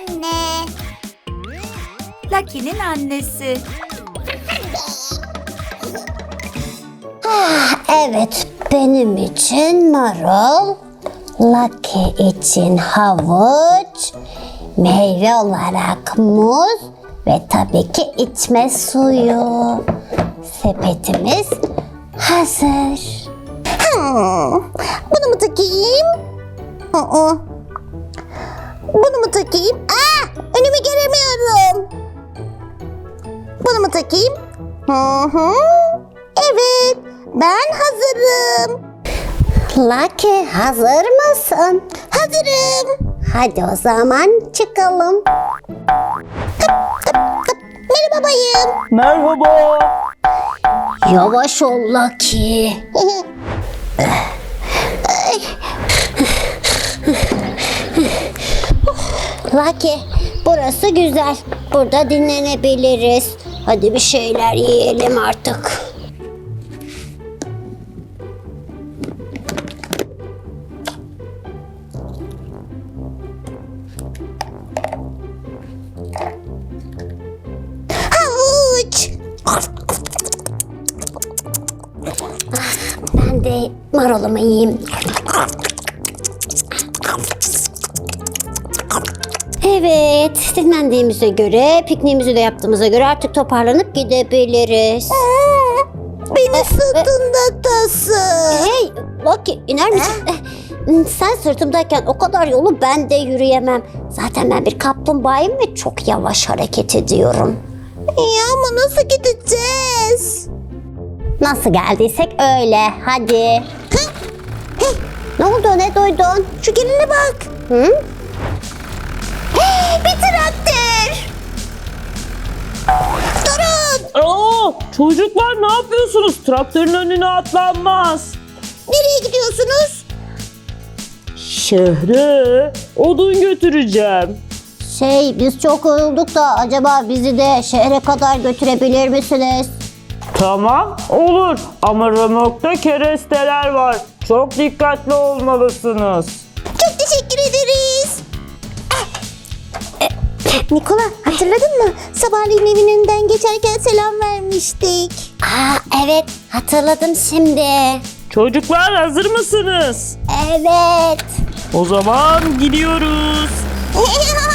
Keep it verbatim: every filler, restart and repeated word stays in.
anne. Lucky'nin annesi. Evet, benim için marul, Lucky için havuç, meyve olarak muz ve tabii ki içme suyu. Sepetimiz hazır. Hmm, bunu mu takayım? Aa, bunu mu takayım? Aa, önümü göremiyorum. Bunu mu takayım? Hı hı. Evet, ben hazırım. Lucky, hazır mısın? Hazırım. Hadi o zaman çıkalım. Hıp, hıp, hıp. Merhaba bayım. Merhaba. Yavaş ol Lucky. Lucky, burası güzel. Burada dinlenebiliriz. Hadi bir şeyler yiyelim artık. Havuç. Ben de marulumu yiyeyim. Evet, dinlendiğimize göre, pikniğimizi de yaptığımıza göre artık toparlanıp gidebiliriz. Beni sırtında tasın. Hey, Lucky, iner misin? Eh, Sen sırtımdayken o kadar yolu ben de yürüyemem. Zaten ben bir kaplumbağayım ve çok yavaş hareket ediyorum. Ya ama nasıl gideceğiz? Nasıl geldiysek öyle, hadi. Hey, hey, ne oldu, ne duydun? Şu geline bak. Hı? Hey, bir traktör. Durun. Aa, çocuklar ne yapıyorsunuz? Traktörün önüne atlanmaz. Nereye gidiyorsunuz? Şehre odun götüreceğim. Şey, biz çok yorulduk da acaba bizi de şehre kadar götürebilir misiniz? Tamam, olur. Ama römorkta keresteler var. Çok dikkatli olmalısınız. Çok teşekkür ederiz. Nikola, hatırladın mı? Sabahleyin evin önünden geçerken selam vermiştik. Aa, evet, hatırladım şimdi. Çocuklar hazır mısınız? Evet. O zaman gidiyoruz.